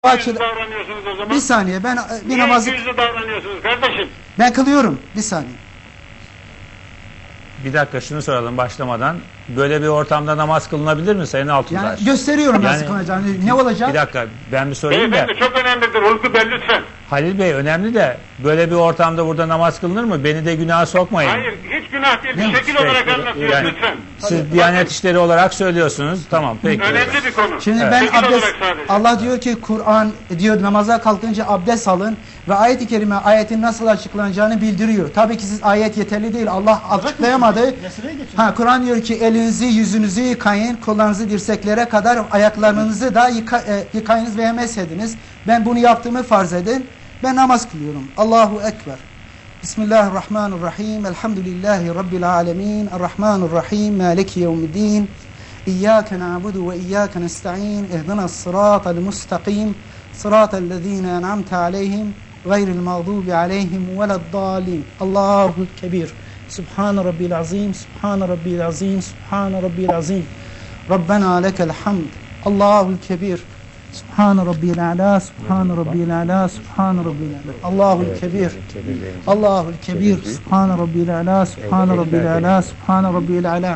Yüzlü davranıyorsunuz o zaman. Bir saniye, ben bir Niye namazı yüzlü davranıyorsunuz kardeşim? ben kılıyorum. Bir saniye. Bir dakika şunu soralım başlamadan. Böyle bir ortamda namaz kılınabilir mi Sayın Altuntaş? Yani gösteriyorum nasıl Yani- kılınacağını. Ne olacak? Bir dakika ben bir sorayım da. Beyefendi çok önemlidir Hulku Bey lütfen. Halil Bey önemli de böyle bir ortamda burada namaz kılınır mı? Beni de günaha sokmayın. Hayır hiç günah değil. Ne? Bir şekil olarak anlatıyoruz Yani- lütfen. Siz Diyanet İşleri olarak söylüyorsunuz. Tamam peki. Önemli bir konu. Şimdi Evet. ben Şekil abdest, olarak sadece. Allah diyor ki Kur'an diyor namaza kalkınca abdest alın ve ayet-i kerime ayetin nasıl açıklanacağını bildiriyor. Tabii ki siz ayet yeterli değil. Allah açıklayamadı. Ha, Kur'an diyor ki elinizi yüzünüzü yıkayın, kollarınızı dirseklere kadar ayaklarınızı da yıkayınız ve mesediniz. Ben bunu yaptığımı farz edin. Ben namaz kılıyorum. Allahu Ekber. Bismillahirrahmanirrahim. Elhamdülillahi Rabbil alemin. Errahmanirrahim. Maliki yevmiddin. İyyâke na'budu ve iyyâke nesta'in. İhdinas sıratal mustakim. Sıratellezîne en'amte aleyhim. Gayril mağdubi aleyhim veleddâlin. Allahu Kebir. Subhan Rabbil azim. Subhan Rabbil azim. Subhan Rabbil azim. Rabbena lekel hamd. Allahul Kebir. Subhan Rabbil a'la. Subhan Rabbil a'la. Subhan Rabbil a'la. Allahul Kebir. Allahul Kebir. Subhan Rabbil a'la. Subhan Rabbil a'la. Subhan Rabbil a'la.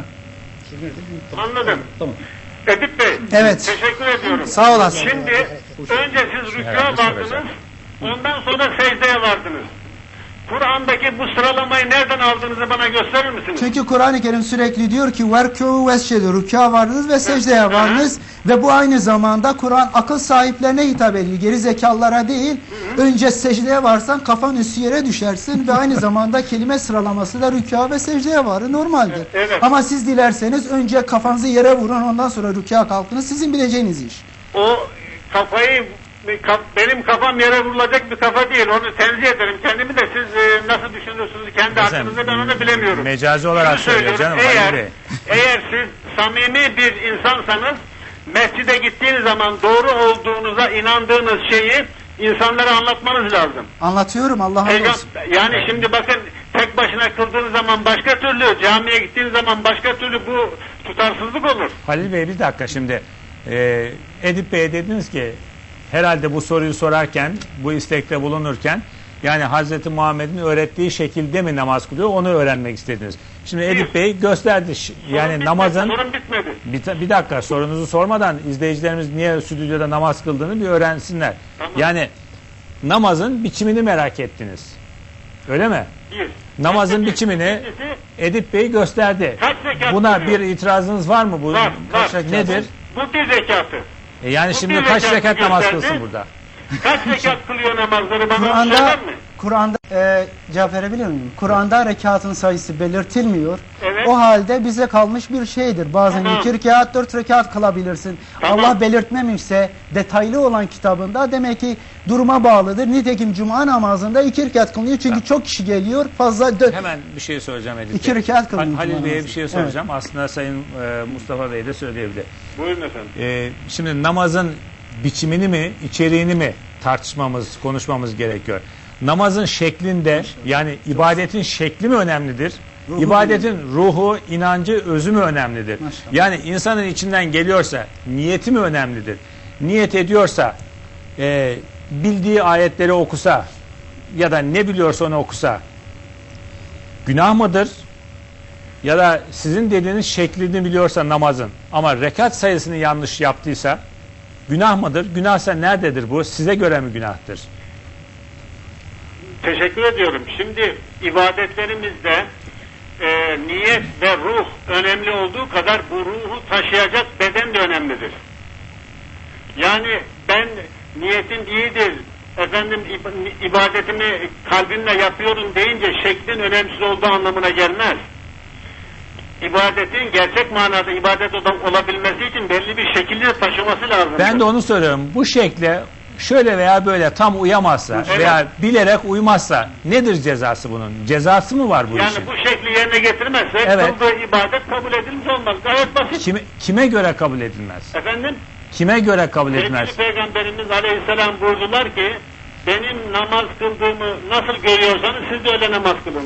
Anladım. Tamam. Edip Bey. Evet. Teşekkür ediyorum. Sağ olasın. Şimdi önce siz rükûa vardınız. Ondan sonra secdeye vardınız. Kur'an'daki bu sıralamayı nereden aldığınızı bana gösterir misiniz? Çünkü Kur'an-ı Kerim sürekli diyor ki verkû vescedu, rükûa vardınız ve secdeye vardınız ve bu aynı zamanda Kur'an akıl sahiplerine hitap ediyor. Geri zekalılara değil. Önce secdeye varsan kafan üstü yere düşersin ve aynı zamanda kelime sıralaması da rükûa ve secdeye varır. Normaldir. Evet. Ama siz dilerseniz önce kafanızı yere vurun, ondan sonra rükûa kalkınız. Sizin bileceğiniz iş. O kafayı benim kafam yere vurulacak bir kafa değil. Onu tenzih ederim kendimi de siz nasıl düşünürsünüz kendi aklınızda ben onu bilemiyorum. Mecazi olarak Şunu söylüyor canım söylüyorum, Halil Bey. eğer siz samimi bir insansanız mescide gittiğiniz zaman doğru olduğunuza inandığınız şeyi insanlara anlatmanız lazım. Anlatıyorum, Allah'a olsun. Yani şimdi bakın tek başına kıldığınız zaman başka türlü, camiye gittiğiniz zaman başka türlü bu tutarsızlık olur. Halil Bey bir dakika şimdi. Edip Bey'e dediniz ki herhalde bu soruyu sorarken, bu istekte bulunurken yani Hazreti Muhammed'in öğrettiği şekilde mi namaz kılıyor onu öğrenmek istediniz. Şimdi Edip Bey gösterdi. Yani Sorun namazın... bitmedi, sorun bitmedi. Bir dakika sorunuzu sormadan izleyicilerimiz niye stüdyoda namaz kıldığını bir öğrensinler. Tamam. Yani namazın biçimini merak ettiniz. Öyle mi? Bir. Namazın biçimini İkincisi, Edip Bey gösterdi. Kaç rekat Buna kılıyor? bir itirazınız var mı? Bu Var, kaç var. rekat nedir? bu bir zekatı. Yani Bu şimdi bir kaç rekatı rekat namaz gösterdi. kılsın burada? Kaç rekat kılıyor namazları bana Kur'an'da söyler mi? Kur'an'da cevap verebilir miyim? Kur'an'da rekatın sayısı belirtilmiyor. Evet. O halde bize kalmış bir şeydir. Bazen Tamam. 2 rekat, 4 rekat kılabilirsin. Tamam. Allah belirtmemişse detaylı olan kitabında demek ki duruma bağlıdır. Nitekim cuma namazında 2 rekat kılınıyor. Çünkü çok kişi geliyor. Fazla Hemen bir şey soracağım Edip 2 Bey. rekat kılınıyor. Halil cuma Bey'e bir namazı. şey soracağım. Aslında Sayın Mustafa Bey de söyleyebilir. Buyurun efendim. Şimdi namazın biçimini mi, içeriğini mi tartışmamız, konuşmamız gerekiyor. Namazın şeklinde yani ibadetin şekli mi önemlidir? İbadetin ruhu, inancı, özü mü önemlidir? Maşallah. Yani insanın içinden geliyorsa niyeti mi önemlidir? Niyet ediyorsa bildiği ayetleri okusa ya da ne biliyorsa onu okusa günah mıdır? Ya da sizin dediğiniz şeklini biliyorsa namazın ama rekat sayısını yanlış yaptıysa günah mıdır? Günahsa nerededir bu? Size göre mi günahtır? Teşekkür ediyorum. Şimdi ibadetlerimizde niyet ve ruh önemli olduğu kadar bu ruhu taşıyacak beden de önemlidir. Yani ben niyetim iyidir, efendim ibadetimi kalbimle yapıyorum deyince şeklin önemsiz olduğu anlamına gelmez. İbadetin gerçek manada ibadet olabilmesi için belli bir şekilde taşıması lazım. Ben de onu söylüyorum. Bu şekle şöyle veya böyle tam uyamazsa Evet. veya bilerek uymazsa nedir cezası bunun? Cezası mı var bu Yani işin? bu şekli yerine getirmezse Evet. kıldığı ibadet kabul edilmiş olmaz. Gayet basit. Kime göre kabul edilmez? Efendim? Kime göre kabul edilmez? Sevgili Peygamberimiz Aleyhisselam buyurdular ki benim namaz kıldığımı nasıl görüyorsanız siz de öyle namaz kılın.